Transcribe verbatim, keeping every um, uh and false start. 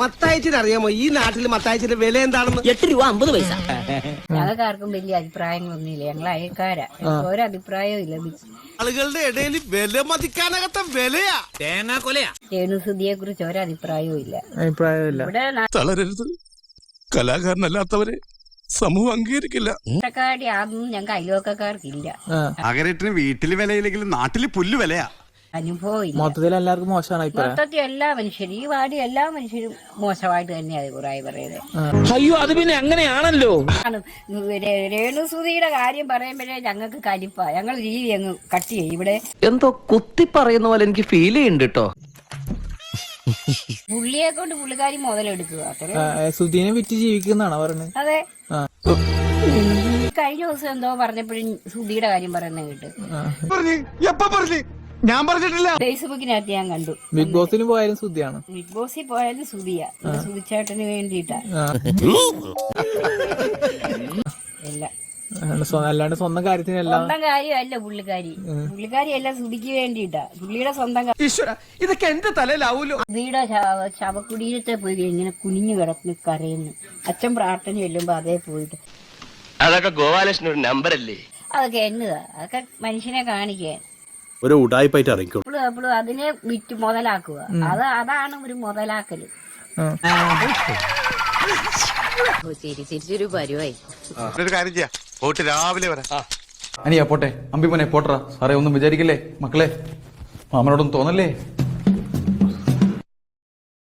മത്തായച്ചിന് അറിയാമോ ഈ നാട്ടിൽ മത്തായച്ചിന്റെ വില എന്താണെന്ന്? എട്ട് രൂപ അമ്പത് പൈസ. ഞങ്ങൾക്ക് ആർക്കും വലിയ അഭിപ്രായങ്ങളൊന്നുമില്ല. ഞങ്ങൾ അയൽക്കാരാ, ഒരഭിപ്രായവും ഇല്ല. ആളുകളുടെ ഇടയിൽ വില മതിക്കാനകത്ത വിലയാ, തേങ്ങാ കൊലയാ. രേണുസുതിയെ കുറിച്ച് ഒരഭിപ്രായവും ഇല്ല. അഭിപ്രായമില്ല. ഇവിടെ തളരരുത്, കലാകാരനല്ലാത്തവരെ സമൂഹം അംഗീകരിക്കില്ല. നാട്ടക്കാടി അതൊന്നും ഞങ്ങൾക്ക് അയൽവക്കക്കാർക്കില്ല. അകരേറ്റിന് വീട്ടില് വിലയില്ലെങ്കിലും നാട്ടില് പുല്ല് വിലയാ. അനുഭവം ഇല്ല. മൊത്തത്തിൽ എല്ലാവർക്കും മോശമാണ് അഭിപ്രായം. മൊത്തത്തിൽ എല്ലാ മനുഷ്യരും, ഈ വാർഡ് എല്ലാ മനുഷ്യരും മോശമായിട്ട് തന്നെയാണ് അഭിപ്രായം പറയുന്നത്. അയ്യോ, അത് പിന്നെ അങ്ങനെയാണല്ലോ. രേണുസുതിയുടെ കാര്യം പറയുമ്പോഴേ ഞങ്ങൾക്ക് കലിപ്പാ. ഞങ്ങൾ രീതി അങ്ങ് കട്ട് ചെയ്യും. ഇവിടെ എന്തോ കുത്തി പറയുന്ന പോലെ എനിക്ക് ഫീൽ ചെയ്യുന്നുണ്ട് കേട്ടോ. പുള്ളിയെ കൊണ്ട് പുള്ളിക്കാരി മുതലെടുക്കുക. അത്രേ. സുധീനെ വിറ്റ് ജീവിക്കുന്നതാണോ പറഞ്ഞത്? അതെ. കഴിഞ്ഞ ദിവസം എന്തോ പറഞ്ഞപ്പോഴും സുധിയുടെ കാര്യം പറയുന്നത് കേട്ട്. ഞാൻ പറഞ്ഞിട്ടില്ല. ഫേസ്ബുക്കിനകത്ത് ഞാൻ കണ്ടു. ബിഗ് ബോസിന് പോയാലും സുധിയാണ്. ബിഗ് ബോസിൽ പോയാലും സുധിയാ. സുധിച്ചേട്ടന് വേണ്ടിയിട്ടാ എല്ലാം. അല്ലാണ്ട് സ്വന്തം കാര്യത്തിനല്ല. സ്വന്തം കാര്യമല്ല പുള്ളിക്കാരി. പുള്ളിക്കാരി എല്ലാം സുധിക്ക് വേണ്ടിയിട്ടാ. പുള്ളിയുടെ സ്വന്തം. ഇതൊക്കെ എന്റെ തലയിലാവൂലോ. സുധിയുടെ ശവകുടീരത്തെ പോയി ഇങ്ങനെ കുനിഞ്ഞു കിടന്ന് കരയുന്നു. അച്ഛൻ പ്രാർത്ഥന ചെല്ലുമ്പോ അതേ പോയിട്ട്. അതൊക്കെ ഗോപാലകൃഷ്ണൻ ഒരു നമ്പർ അല്ലേ? അതൊക്കെ എന്നതാ, അതൊക്കെ മനുഷ്യനെ കാണിക്കാൻ. ഒരു ഉടായ്പായിട്ട് ഇറങ്ങിക്കോളൂ. എപ്പോഴും എപ്പോഴും അതിനെ വിറ്റ് മുതലാക്കുക. അത് അതാണ് ഒരു മുതലാക്കല്. തിരിച്ചൊരു പരിവായി. ഒരു കാര്യം ചെയ്യാം, പോയിട്ട് രാവിലെ വരാം. അനിയാ പോട്ടെ, അമ്പിമോനെ പോട്ടറ. സാറേ ഒന്നും വിചാരിക്കില്ലേ മക്കളെ, മാമനോടൊന്നും തോന്നല്ലേ?